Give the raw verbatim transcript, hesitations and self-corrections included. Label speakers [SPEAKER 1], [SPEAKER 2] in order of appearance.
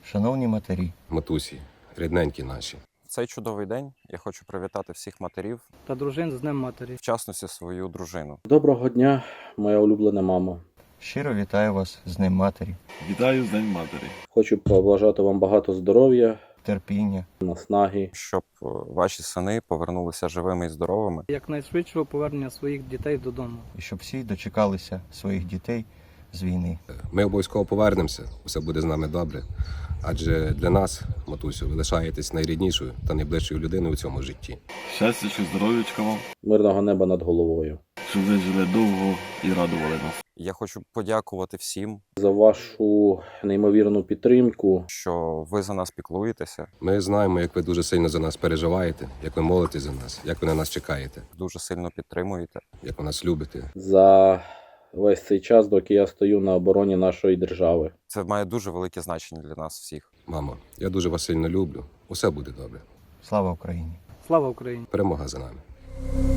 [SPEAKER 1] Шановні матері,
[SPEAKER 2] матусі, рідненькі наші.
[SPEAKER 3] В цей чудовий день я хочу привітати всіх матерів,
[SPEAKER 4] та дружин з Днем Матері.
[SPEAKER 3] в частності свою дружину.
[SPEAKER 5] Доброго дня, моя улюблена мама.
[SPEAKER 1] щиро вітаю вас з Днем Матері,
[SPEAKER 6] Вітаю з День Матері.
[SPEAKER 5] Хочу побажати вам багато здоров'я,
[SPEAKER 1] терпіння,
[SPEAKER 5] наснаги.
[SPEAKER 3] Щоб е, ваші сини повернулися живими і здоровими.
[SPEAKER 4] Якнайшвидшого повернення своїх дітей додому.
[SPEAKER 1] і щоб всі дочекалися своїх дітей з війни.
[SPEAKER 2] Ми обов'язково повернемося, усе буде з нами добре. Адже для нас, матусю, ви лишаєтесь найріднішою та найближчою людиною у цьому житті.
[SPEAKER 6] Щастя, чи здоров'ячка вам,
[SPEAKER 5] Мирного неба над головою.
[SPEAKER 6] щоб ви жили довго і радували нас.
[SPEAKER 3] Я хочу подякувати всім,
[SPEAKER 5] За вашу неймовірну підтримку.
[SPEAKER 3] що ви за нас піклуєтеся,
[SPEAKER 2] Ми знаємо, як ви дуже сильно за нас переживаєте, як ви молитесь за нас, як ви на нас чекаєте,
[SPEAKER 3] дуже сильно підтримуєте.
[SPEAKER 2] як ви нас любите.
[SPEAKER 5] За весь цей час, доки я стою на обороні нашої держави.
[SPEAKER 3] Це має дуже велике значення для нас всіх.
[SPEAKER 2] Мамо, я дуже вас сильно люблю. Усе буде добре.
[SPEAKER 1] Слава Україні!
[SPEAKER 4] Слава Україні!
[SPEAKER 2] Перемога за нами.